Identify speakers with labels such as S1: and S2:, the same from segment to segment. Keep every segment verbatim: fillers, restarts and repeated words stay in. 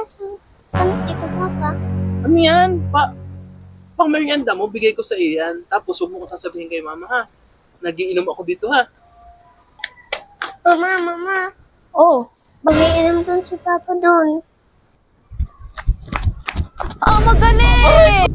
S1: Kaso, saan ito, Papa?
S2: Ano yan? Pa pang merienda mo, bigay ko sa iyo yan. Tapos huwag mo kong sasabihin kay mama ha. Nagiinom ako dito ha.
S1: Mama, Mama,
S3: Oh,
S1: mag-iinom dun si Papa dun.
S3: ah, magaling!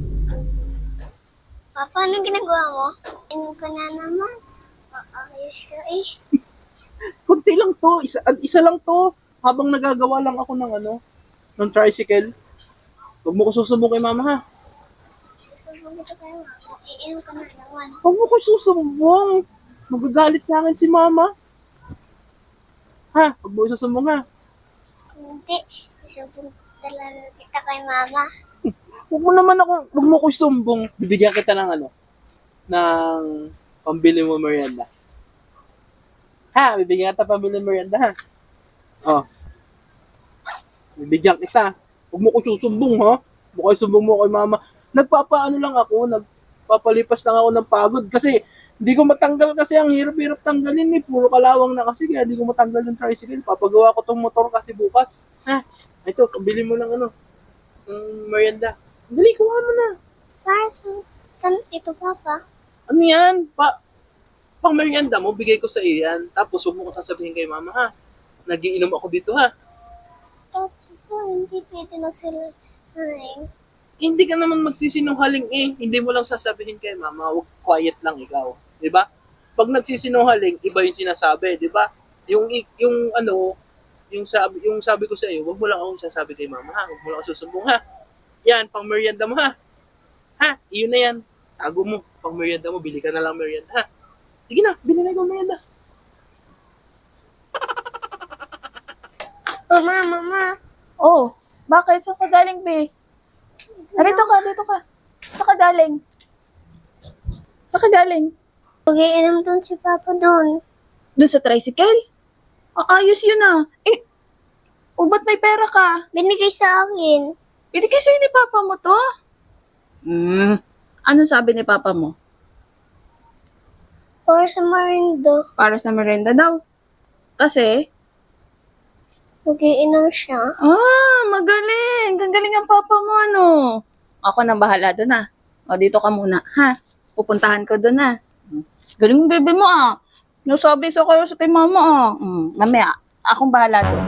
S1: Papa, anong ginagawa mo? Inom ka na naman. Ayos ka eh.
S2: Kunti lang to. Isa, isa lang to. Habang nagagawa lang ako ng ano, ng tricycle. Huwag mo ko susumbong kay mama ha.
S1: Gusto mo dito kayo, Mama. Iinom ka na naman.
S2: Huwag mo ko susumbong. Magagalit sa akin si mama. Ha? Huwag mo ko susumbong ha.
S1: Hindi, sisumbong talaga kita kay Mama.
S2: Huwag mo naman ako, huwag mo ko sumbong. Bibigyan kita ng ano, ng pambili mo merienda. Ha? Bibigyan kita pambili mo merienda ha. Oh. Bibigyan kita. Huwag mo ko susumbong ha. Huwag mo ko sumbong mo kay mama. Nagpapaano lang ako, nagpapalipas lang ako ng pagod kasi hindi ko matanggal kasi ang hirap-hirap tanggalin eh. Puro kalawang na kasi kaya hindi ko matanggal yung tricycle. Papagawa ko tong motor kasi bukas. Ha? Ito, pambili mo ng ano, ng merienda. Dali, kuha mo na.
S1: Kaso, saan ito, Papa?
S2: Ano yan? Pa pang merienda mo, bigay ko sa iyo yan. Tapos huwag mo kong sasabihin kay mama ha. Nagiinom ako dito ha.
S1: Papa po, hindi pwede magsinungaling.
S2: Hindi ka naman magsisinungaling eh. Hindi mo lang sasabihin kay mama, huwag quiet lang ikaw. 'Di ba? Pag nagsisinungaling, iba yung sinasabi, 'di ba? Yung i- yung ano, yung sabi yung sabi ko sa iyo, huwag mo lang akong sasabi kay mama ha. Huwag mo lang ako susumbong ha. Yan, pang merienda mo ha. Ha, iyon na yan. Tago mo, pang merienda mo, bili ka na lang merienda ha. Sige na, bili na ikaw merienda.
S1: Mama, Mama,
S3: Oh, bakit? Saan ka galing, be? Narito ka, dito ka. Saan ka galing? Saan ka galing?
S1: mag-iinom dun si Papa dun.
S3: Doon sa tricycle? Ah, ayos yun ah. Eh, o ba't may pera ka?
S1: Binigay sa akin.
S3: Binigay sa'yo ni Papa mo to?
S2: Hmm,
S3: Ano sabi ni Papa mo?
S1: Para sa marindo.
S3: Para sa merenda daw. Kasi,
S1: Mag-iinom siya.
S3: ah, magaling. Gagaling ang Papa mo, ano? Ako nang bahala doon ah. O, dito ka muna, ha? Pupuntahan ko doon ah. Galing ng bebe mo ah. Nasabi sa kayo sa kay mama ah. Mm, mamaya, akong bahala doon.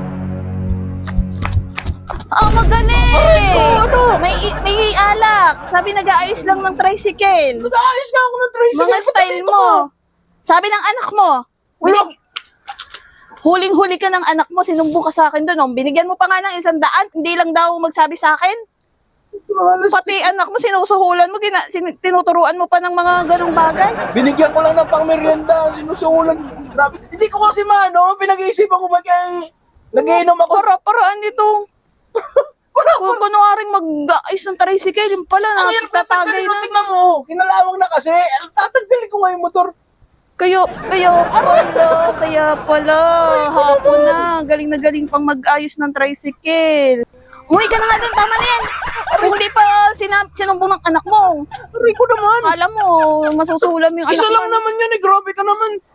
S3: Ah, magaling!
S2: ano?
S3: May, i- may alak. Sabi nag-aayos lang ng tricycle.
S2: nag-aayos nga ako ng tricycle.
S3: Mga style mo. Sabi ng anak mo. Binig- Huling-huli ka ng anak mo, sinumbong ka sa akin doon. Oh. Binigyan mo pa nga ng isang daan, hindi lang daw magsabi sa akin. Pati anak mo, sinusuhulan mo, gina- sin- tinuturuan mo pa ng mga ganong bagay.
S2: Binigyan ko lang ng pang merienda, sinusulan. Grabe. Hindi ko kasi maano, pinag-iisipan ko mag ay, nag-iinom ako.
S3: Para-paraan nito. Kung kunwaring mag-aayos ng tricycle, yung pala,
S2: Ang hirap na
S3: natatagay
S2: tanggalin mo,
S3: na.
S2: tingnan mo. Kinalawang na kasi. Tatanggalin ko nga yung motor.
S3: Kaya, kaya pala, kaya pala, hapon na, galing na galing pang mag-ayos ng tricycle. Umuwi ka na nga din, tama na yan. Kung hindi pa sinab- sinumbong ng anak mo,
S2: Aray ko naman.
S3: alam mo, masusulam yung anak
S2: Isa
S3: mo.
S2: lang naman yun eh, grabe ka naman.